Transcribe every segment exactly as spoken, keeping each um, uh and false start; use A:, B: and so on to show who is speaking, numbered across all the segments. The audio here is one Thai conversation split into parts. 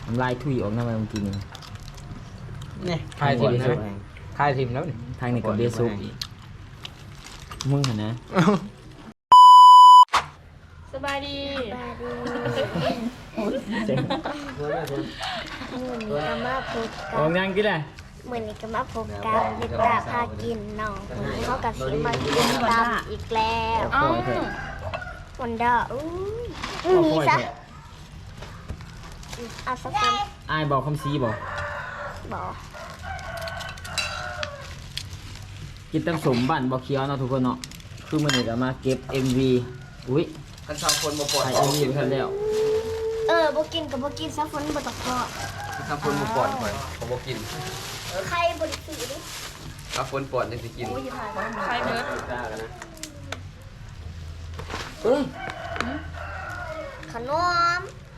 A: น้ำลายถุยออกน้ำมันเมื่อกี้นี่
B: นี่คายทิมนะคายทิมแล้วนี่
A: ทางในกับเบซุกมึงเห็นนะ
C: สบายดี
A: เจ๋ง
D: เหมือนกับมาพบ
A: ออก
D: กับ
A: งานกี่แหละ
D: เหมือนกับมาพบกับลิตาพากินน้องเขากับสีมากินตำอีกแล้ว
A: ปล่อยเถอะ
D: วันดาอุ้ยนี่ซะเอาสักคน
A: อายบอกคำซีบอก
D: บอก
A: กินตำสมบันบอกเคี้ยวเนาะทุกคนเนาะคือมันนี่ก็มาเก็บ เอ็ม วี อุ้ย
B: กันชาวคนมาปล่อย
A: ถ่าย เอ็ม วีไปทันแล้ว
D: เออบ่กินกับบ่กินซะฝนบ่ตกพอ
B: ชาวคนมาปล่อยไปเขาบอกกิน
D: ใครบ่ได้ซื้อดิ
B: ชาวคนปล่อยยังจะกิน
C: ใครเบิร์ด
A: เอ้ย
D: ขนม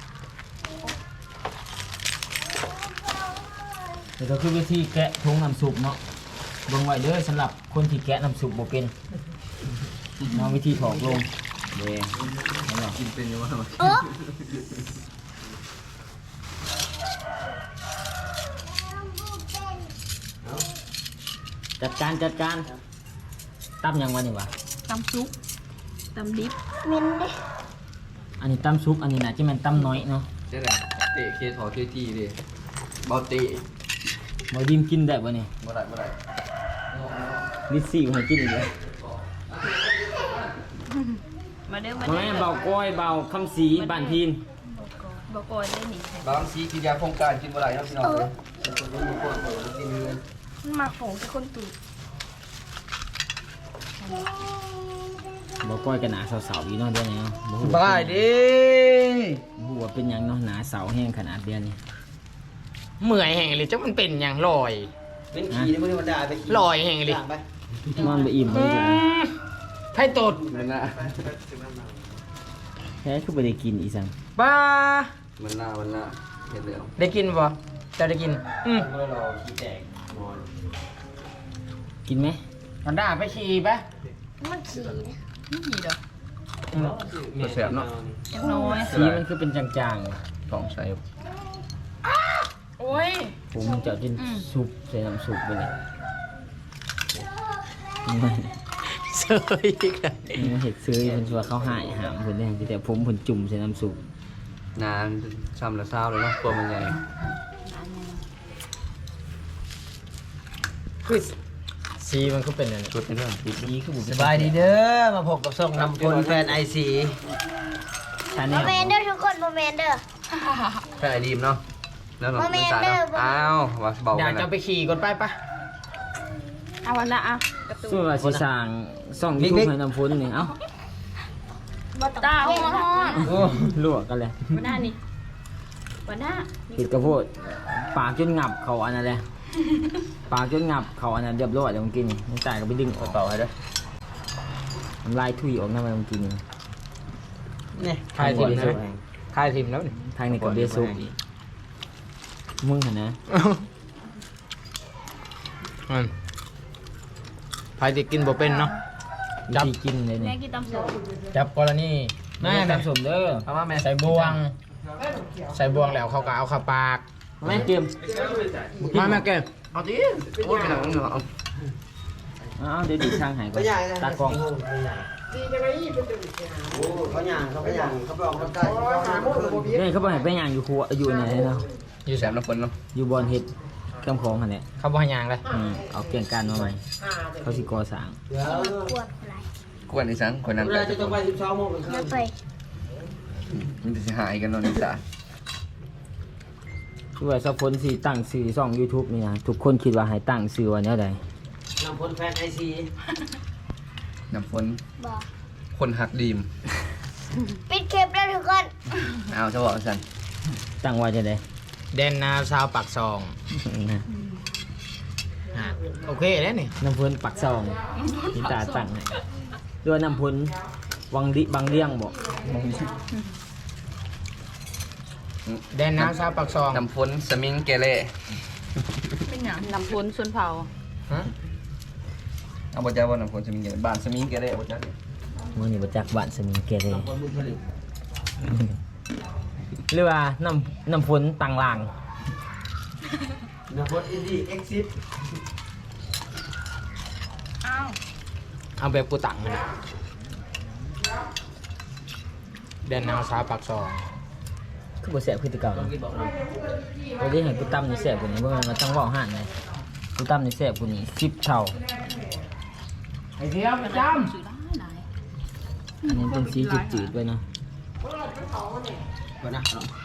A: เดี๋ยวก็คือวิธีแกะทงน้ำซุปเนาะเบิ่งไว้เด้อสำหรับคนที่แกะน้ำซุปบ่เป็นน้องวิธีถอกลงเด้เอาเนาะ
B: กินเป็นยังไง
D: เออ
A: จัดการจัดการตั้มยังวะนี่วะ
C: ตำซุปตำดิบ
D: มินดิ
A: อันนี้ตั้มซุปอันนี้น่ะที่มันตั้มน้อยเนาะ
B: ใช่แหละเตะเคถอเคทีดิเบาเตะ
A: บ่ดิมกินได้บ่เนี่ย
B: เมื่อไรเมื่อไร
A: ลิซซี่ให้กินอีกแล้ว
C: มาเด้อมา
A: บ่
C: เด้
A: แม่
C: อน
A: เบาก้อยเบาคำสีบ้านพีน
C: บอกก่อนได้หนิ
B: บางสีกินยาโครงการกินเมื่อไรนะพี่น้องเลยคนรู้มาปล่อยกินเงิน
C: มันมาของที่คนตู่
A: บ่ก้อยกันหนาเสาๆอยู่เนาะเดี๋ยวนี้เนาะบ่ฮู้
B: บายดิ
A: บ่ฮู้ว่าเป็นหยังเนาะหนาเสาแห้งขนาดเดียวนี้
B: เมื่อยแห่งเลยจ้ามันเป็นอย่างลอย
E: เป็นขี่นี่มึงธรรมดาไปขี่
B: ลอยแห่งเลย
E: ต่างไป
A: นอนบ่อิ่มเลยจ้ะ
B: ไพ่ตดมันน่ะ
A: แท้คือบ่ได้กินอีสัง
B: บ้า
E: มันหน้ามันหน้าเห็นแล้ว
B: ได้กินป่ะจะได้กินอืม
E: เมื่อเราขี่แตกนอน
A: กินไหม
B: มันได้ไปขี่ปะ
D: มันขี่
C: นี่หีเด้อ
B: ตัวเสียบเนาะ
C: ยังน้อย
A: สีมันคือเป็นจาง
B: สองใส่
C: โอ้ย
A: ๆผมจะเอากิน
C: อืม
A: ซุปใส่น้ำซุปไปเลย
B: เสยอีกแล้ว
A: มันเห็ดซื้อเพิ่นว่าเขาหายหามเพิ่นได้แต่ผมเพิ่นจุ่มใส่น้ำซุป
B: นานซ้ำละเศร้าเลยเนาะตัวมันใหญ่คือสีมันก็เป็นอะไรชุดเป็นเรื่อง
A: สีคือบุ
E: สบายดีเด้อมาพบกับส่งนำคนแฟนไอซี
A: ชาแน
D: บ่
A: ล
D: แม่นเด้อทุกคนบ่แม่นเด้อ
B: แค่ไอดีมเนาะแล้วเรา
D: บ่แม่
B: ไม่
D: น
B: ตาย
D: เด้อ
B: เนาะ
D: บ่
B: อ้าวว่าเบา
E: อยา
B: กั
E: ก
B: น
E: จะ
B: นะ
E: ไปขี่ก่อนไปปะ
C: เอาวันละอ่ะกระตู
A: ส่วนว่าสิสร้างซ่อง
E: บิ๊
A: YouTube
E: กๆ
A: ให้น้ำฝนนี่เอ้า
D: บ่ต้อง
C: ตาหัวห้อน
E: โอ้
A: ลวกกันเลย
C: วันหน้านี่วันหน้า
A: เห็ดกระโพดปากจนงับเขาอันนั้นเลยปากจนงับเขาอันนั้นเรียบร้อยแล้วเมื่อกี้นี่ไม่จ่ายก็ไปดึงออก
B: เบาให้ด้วย
A: น้ำลายถุยออกน้ำมันเมื่อกี้นี่
E: นี่
B: คายทิม
A: เบ
B: นะ
A: ซุก
B: คายทิมแล้วนี่
A: ทางในกับเบซุกมึงเห็นนะ
B: อืมพายจะกินบ่เป็นเนาะ
A: วิธีกินเลย
C: แม่
A: นี่
C: กินตำซุป
B: จับกรณี
A: แม่
B: แม่
A: ตามสมเด้อ
B: เอามาแม่ใส่บวง ใส่บวงแล้วเขาก็เอาเข้าปาก
A: แม่เตรียม
B: มาแม่เก็บเอาดิโอ้ยไปหนังเนาะเอา
A: อ้าวเดี๋ยวดิช่างหายก่อ
E: ก็
A: น
E: ใหญ่นะ
A: ตากล้อง
E: โอ้เขาหยางเขาไปหยางเขาไปออกกำลังกาย
A: นี่เขาบอกให้ไปย่างอยู่ครัวอยู่ไหนเนาะ
B: อยู่แสบน้ำฝนเนาะ
A: อยู่บอนเห็ดกำของหันเนี่ย
B: เขาบ่ให้ยางเลย
A: อืมเอาเกี่ยงการมาใหม่เขาสิก่อสร้าง
E: เดี๋ยว
D: กวนอะไร
B: กวนอีสังคนนั้น
E: เวลาจะต้องไปสิบสองโมงเป็นคื
D: มาน ไป
B: มันจะหายกันเนาะนี่จ้ะ
A: คือว่าสักคนสิตั้งชื่อช่อง YouTube นี่นะทุกคนคิดว่าให้ตั้งชื่อว่าแนวใด
E: นำคนแฟนไอซี
B: น้ำฝน
D: บ่
B: คนหักดีม
D: ปิดคลิปแล้วทุกคน
B: เอาจะบอกสัน
A: ตั้งไว้จะได้
B: แดนนาซาวปากซอง
A: นะ
B: โอเคแล้วนี่
A: น้ำพุนปักซองนิตาตั้งให้ด้วยน้ำพุนวังดิบางเลี้ยงบอก
B: แดนนาซาวปากซองน้ำฝนสมิงเกเร
C: เป็นอย่างลำพูนส่วนเผา
B: ฮะเอาบ่จ้าว่าน้ำฝนสมิงเกเรบ้านสมิงเกเรบ่จ้า
A: มื่อนี้ประจักษ์บ้านสมิงเกเร
E: คนบุญผลิต
B: น
A: หรือว่าน้ำน้ำฝนต่างลาง
E: น้ำพดอินดี้เอ็กซิส
C: อ้าว
F: เอาแบบกูตังนะเดินแนวซ้ายปากซอย
A: คือบ่แสบคือแตะเก่า
E: ลองกินบอกนะ
A: บ่ได้ให้กูตำนี่แสบกว่านี้บ่แม่นว่าต้องเว้าห่านเลยกูตำนี่แสบกว่านี้สิบเท่า
F: ไอ้เทียมประจ
C: ซื้อได้ไหน
A: อันนี้เป็นสีจืดๆด้วยเนาะ
E: ก่อนนะ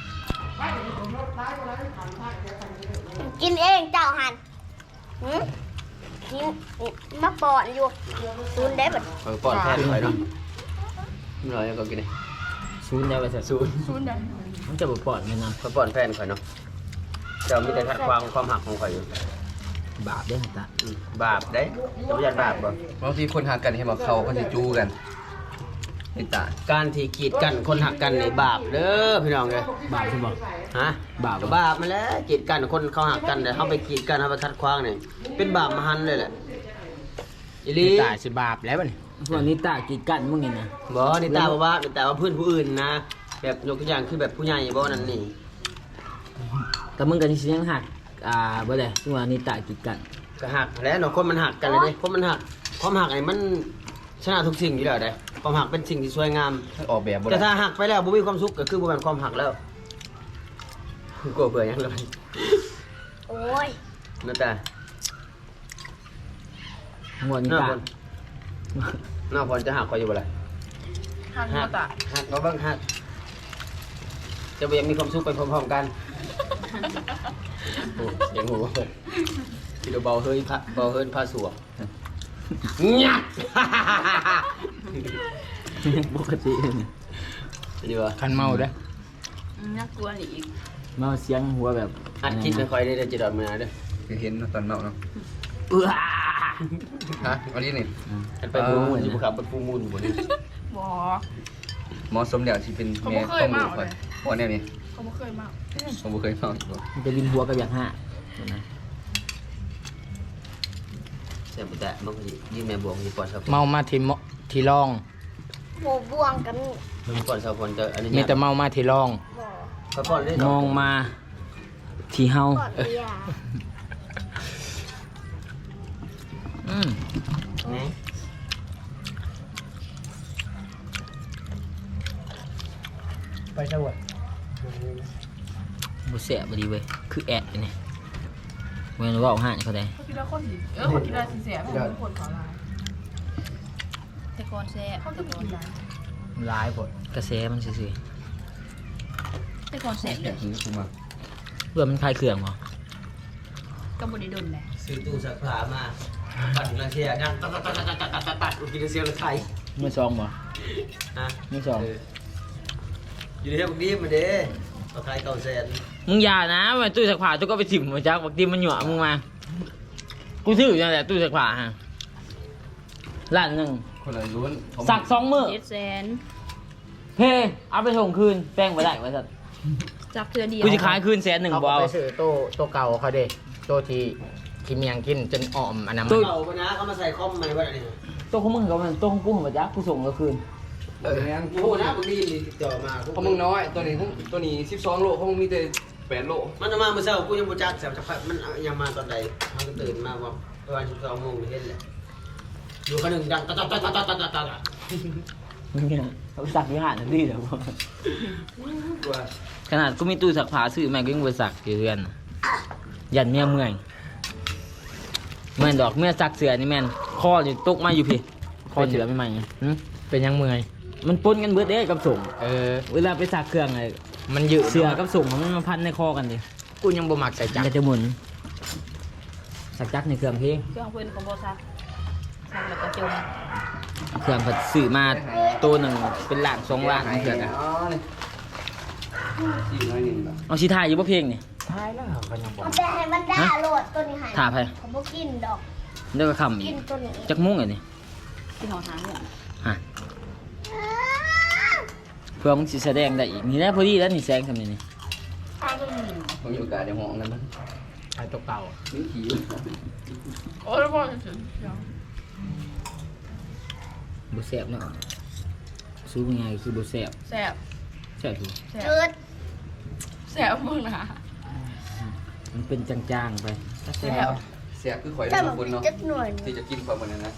D: กินเองเจ้าหันหืมกินมาปอนอยู่ซูนได้บัด
B: เออปอดแทนไปเนาะไม่ร้อยก็กินเลย
A: ศูนย์ได้ไว้ซะ
B: ศูนย์
C: ศูนย์ได้
A: มันจะบ่ปลอดแม่นำ
B: เขาปอดแฟนข่อยเนาะเจ้ามีแต่ขัดความความหักของข่อยอยู่
A: บาปเด้อตา
B: อืมบาปได้จะไม่ยันบาปบ่บางทีคนหักกันเห็นบอกเขาเขาจะจูกันไอ้ตา
E: การที่กีดกันคนหักกันในบาปเด้อพี่น้องเลย
A: บาปใช่บ่
E: ฮะ
A: บาป
E: ก็บาปมาแล้วกีดกันคนเขาหักกันแต่เขาไปกีดกันเขาไปคัดขวางเนี่ยเป็นบาปมหันต์เลยแหละอี
F: ำ
E: หลี
F: นี่ตายสิบาปแล้วบัดนี้
A: พวกนี้ตากีดกันมึงนี่นะ
E: บ่นี่ตาบอกว่านี่ตาว่าเพื่อนผู้อื่นนะ แบบยกตัวอย่างคือแบบผู้ใหญ่บ่นั่นนี่
A: แต่มึงก็สิยังหักอ่าบ่ได้ซึ่งว่านี่ตากีดกัน
E: ก็หักแล้วเนาะคนมันหักกันเลยเด้คนมันหักความหักไอ้มันชนะทุกสิ่งอยู่แล้วเด้ความหักเป็นสิ่งที่สวยงาม
B: ออกแบบบ่
E: แต่
B: ได้
E: ถ้าหักไปแล้วบ่มีความสุขก็คือบ่แม่นความหักแล้วกลัวเบื่อยังเลย
D: โอ้ย
E: นั่นแต่
A: หัวนี่
E: หน้า
A: ตา
E: พลหน้าพลจะหักคอยอยู่บ่ล่ะ
C: หักหัวตา
E: หักบ่เบิ่งหักจะบ่ยังมีความสุขไปพร้อมๆกัน
B: โอ้เสียงหูที่เราเบาเฮ้ย
E: พระเบาเฮินพาสวกเงียบ
A: ปกตินี่
E: ดีวะ
F: คันเมาเด้อ
C: อืมน่ากลัวนี่อีก
A: มาเสียงหัวแบบ
E: อัดคลิปค่อยๆได้เด้อจะดอดมาเด้อ
B: คือเห็นเนาะตอนเมาเนาะ
A: เอื้อ
B: ฮะอันนี้นี่
E: อันไปปูมูลอยู่บ่ครับไปปูมูลอยู่บ่นี่
C: บ่
B: หมอสมเดี๋ยวที่เป็น
C: เขา
B: แม่
C: บ่เคย
B: ต้อง
C: เมา
B: รู้คอย
C: เลย
B: เพราะเนี่ยนี่
C: เขาบ่เคยเมา
B: ผมบ่เคยเมาอีกบ่
A: มันจะวินหัวกับอย่างห้าเห็นไหม
E: เสียบ่แต่มันก็สิยืนแม่บวกสิปอดซะ
F: เมามาที่มที่รอง
D: หมูบวงกัน
E: มันปอดซะพลจะอันนี้
F: มีแต่เมามาที่รอง
D: บ่
E: เขาปอดได้
A: มองมาที่เฮา
D: ก่อนเบียร์
A: อืม
E: แหน่
F: ไปสวัสด
A: บ่แสบบ่ดีเว้ยคือแอดไปนี่เว้นเว้าห่านเขาได้
C: เขาคิดว่าคนสิเออคนคิดว่าสิเสียเพราะว่าคนขอลาแต่ก่อนแซ่บเขาจะกินได้
F: ร้ายผล
A: กระแสมันซื่อ
C: แต่ก่อนแซ่บเลย
B: ถึงกูมา
A: ๆเพื่อมันคลายเครื่องบ่
C: ก็บ่ได้ดนแหละ
E: ซื้อตู้ซักผ้ามาปั่นกระเทียดังตัดตัดตัดตัดตัดตัดตัดกินเสียงรถไฟ
A: มือซองบ่
E: ฮะ
A: มือซอง
E: อยู่ในเรื่องนี้มาเด้เอาขายเก่าแสน
A: มึงอย่านะมันตู้สักผ้าตู้ก็ไปถิ่มมาจักบักติมันหยั่วมึงมากูซื้ออยู่นั่นแหละตู้สักผ้าฮะล้านหนึง
B: คนละล้วนเขา
A: สักสองมื้อ
C: เจ็ดแสน
A: เพ่เอาไปส่งคืนแป้งบ่ได้ว่าซั่น
C: จับเทือเดียว
A: กูสิขายคืนแสนหนึ่ง
F: เขา
A: บ่
F: ก็
A: เอา
F: ไปซื้อโต๊ะโต๊ะเก่าเขาเด้โต๊ะที่ที่เมียงกินจนอ่อมอันนั้นมัน
E: เก่าปะนะเขามาใส่คอมใหม่ว่าอะไรนี่
A: ตัวของมึงกับมันตัวของกูของบ่จักกูส่งก็คืน
B: เออแม่ง
E: โอ้โหนะบางทีติดต่อมา
B: เพราะมึงน้อยตัวนี้พวกตัวนี้สิบสองโลเพราะมึงมีแต่แปดโล
E: มันจะมาเมื่อเช้ากูยังบ่จักแสบจักพักมันยังมาตอนใดมันก็ตื่นมาว่าประมาณสิบสองโมงเห็นแหละอยู่คนหนึ่งดังตัดตัดตัดตัดตัดตัดตัด
A: มึงเนี่ยเขาสักอยู่หาดนั่นดีแล้วบ่
E: กลัว
A: ขนาดกูมีตู้สักผ้าซื้อแม่งก็ยังบ่สักอยู่เรือนน่ะยันเมียเมื่อยแม่นดอกเมียสักเสือนี่แม่นคอนี่ตกมาอยู่พี่คอเสือไม่ใหม่หึ
F: เป็นยังเมื่อย
A: มันปนกันเบิดเด้กับส่ง
F: เออ
A: เวลาไปสักเครื่องไอ้
F: มันยืด
A: เสือกับส่งมันมาพันในคอกันดิ
F: กูยังบ่มักใส่จักร
A: มันจะหมุนสักจักในเครื่องเพลง
C: เครื่องเพิ่นของบ่ซักซักแล้วก็จม
A: เครื่องผัดซื้อมาตัวหนึ่งเป็นล้านสองล้านเครื่องอะ
B: อ๋อนี่สี่น้อยหนึ่งบาท
A: เอาชีทายอยู่บ่เพลงนี่
F: ท้ายแล้วเขายังบ่
D: มันจะให้มันด่าโหลดตัวนี้ใหาย
A: ถ่าไป
D: เขาบ่กินดอก
A: เดี๋ยวก็คำอี
D: กิ
A: ก
D: นตัวนี้
A: จักมุ้งไงนี่
C: ที่หอหางเนี่ย
A: ฮะเพื่อมึงสิแสดงได้อีกนี่แหละพอดีแล้วนี่แสงทำนี่นี่
C: ทางก็มี
B: ผมอยู่กับเดี๋ยวห้องนั้นมัน
F: ใช้โต๊ะเก่า
B: นี่ขี่
C: โอ้แล้วบ่ถึง
A: บ่แซ่บเนาะสู้ยังไงคือบ่แซ่บ
C: แซ่บ
A: แซ่บอยู่
C: แซ่บ
D: จืด
C: สบมึงนะ
A: มันเป็นจางๆไป
C: แสบ
B: เสียคือข่อย
D: แต่
B: ได้
D: มั
B: มาน คนเนาะ
D: จะหน่วย
B: ที่จะกินความมันนั้นนะ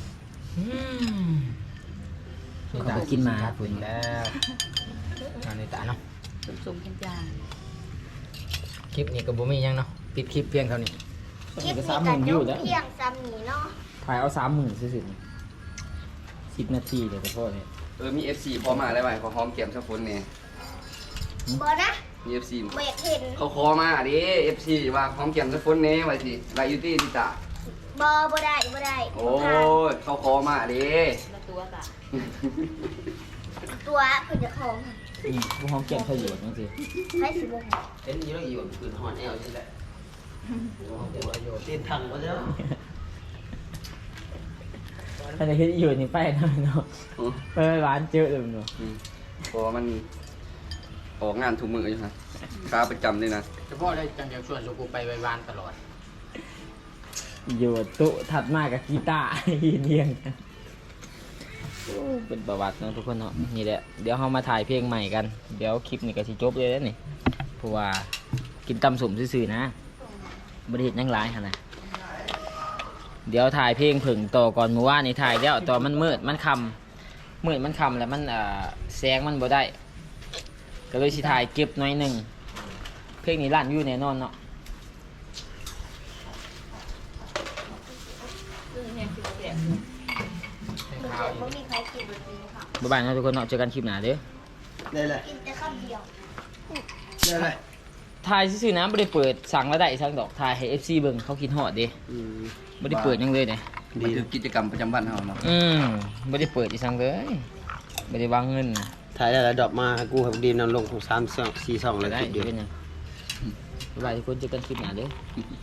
A: เขาก็กินมา
F: ฝุ่นแล้วนอนในตาเนาะ
C: สุ่มๆกันจาง
F: คลิปนี้ก็บ่มีหยังเนาะปิดคลิปเพียงเท่านี้
D: คลิป
A: ก็
D: นี้
A: สามห
D: กั
A: มื่
D: น
A: น
D: ย
A: อยู่
D: ก
A: แล้ว
D: เพียงซ้ำนี้เนาะ
A: ถ่ายเอาสามหมื่นซื่อๆสิบนาทีเดี๋ยวจะพ่อเนี่ย
B: เออมี เอฟ ซี พอมาได้ไหมขอหอมแก้มสักคนเนี่ย
D: บอนะ
B: มี เอฟ ซี
D: เบรกเห็น
B: เขาคอมาดิ เอฟ ซี ว่าหอมแก้มสักคนเนี่ยว่าสิไลยูตี้ดิจ้ะ
D: บอบอได้บอได้
B: โอ้ยเขาคอมาดิ
C: แล้วตัวกะ
D: ตัวคือจะของ
A: อืมผู้ห้องเก็บประโยชน์นั่นสิ
D: ให้สิบหก
E: เห็นอยู่แล้วอยู่ปืนหอนแอลใช่แหละตีนถังก็แล้ว
A: ถ้าจะคิดอยู่นี่ไปหน่อยเนาะไปหวานเจอเลยเนาะ
B: อืมเพราะว่ามันออกงานทุกมืออยู่ฮะค้าประจำเลยนะ
F: เฉพาะได้จังอยากชวนสุกูไปไว้บ้านตลอด
A: อยู่ตุถัดมากับกีตาร์ ยืนเรียงกันโอ้เป็นประวัติเนาะทุกคนเนาะนี่แหละเดี๋ยวเรามาถ่ายเพลงใหม่กันเดี๋ยวคลิปนี้ก็สิจบเลยแล้วนี่เพราะว่ากินตำสุ่มซื่อๆนะบริเหตุยังหลายขนาดเดี๋ยวถ่ายเพลงผึ่งต่อก่อนเมื่อวานนี่ถ่ายแล้วต่อมันมืดมันคำมืดมันคำแล้วมันอ่าแสงมันบ่ได้ ก็เลยสิถ่ายเก็บหน่อยหนึ่งเพลงนี้ลั่นอยู่แน่นอนเนาะ
C: คือแห้งคือแสบ
D: มันเกิดบ่มีใครกินแบบนี้ค่ะ
A: บ๊ายบายนะทุกคนเนาะเจอกันคลิปหน้าเด้อ
E: ได้เลย
D: กินแต่ข้าวเดียว
E: ได้เลย
A: ถ่ายซื่อๆนะไม่ได้เปิดสั่งแล้วได้สั่งดอกถ่ายให้ เอฟ ซี เบิ่งเขาคิดฮอดเด้
E: อืม
A: ไม่ได้เปิดหยังเลยเนี่ย
B: มันคือกิจกรรมประจำวันเราเนาะ
A: อืมไม่ได้เปิดอีสั่งเลยไม่ได้วางเงินนะ
E: ถ่ายได้แล้วดอกมากูกับดีมนำลงของสามสองสี่สองเลย
A: ได้
E: คลิปเดียว
A: เป็นหยังบ๊ายบายทุกคนเจอกันคลิปหน้าเด้อ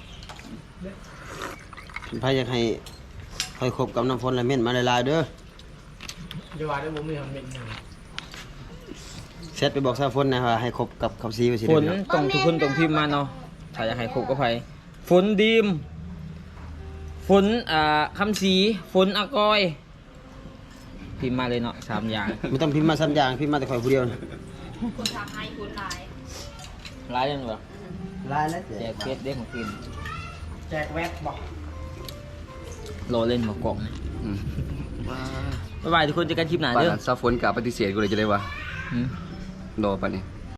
E: พายอยากให้คอยคบกับน้ำฝนและเม่นมาหลายๆเด้อ
F: อย่าว่าได้บ่มีคนเป็นหยัง
E: เซตไปบอกสาวฝนนะว่าให้คบกับคำซีไปสิ
A: ฝน
E: เด้อ
A: ต้องทุกคนต้องพิมพ์มาเนาะถ้าอยากให้ครบก็ไผฝนดีมฝนอ่าคำสีฝนอากอย พิมพ์มาเลยเนาะสามอย่าง
E: ไม่ต้องพิมพ์มาซ้ำอย่างพิมพ์มาแต่คอยผู้เดียวนะ
C: คนทางให้คนหลาย
A: ร้ายยังเหรอ
E: ลายแล้ว
A: แจกเฟซเด้งของกิน
F: แจกแวดบอก
A: รอเล่นหมากล่องนะ
B: อืม
A: บ๊ายบายทุกคนเจอกันคลิปหน้า
B: ป่าน
A: เด้อ
B: นั้นซาฝนกับปฏิเสธกูเลยจะได้วะ
A: อืม
B: รอป่านนี้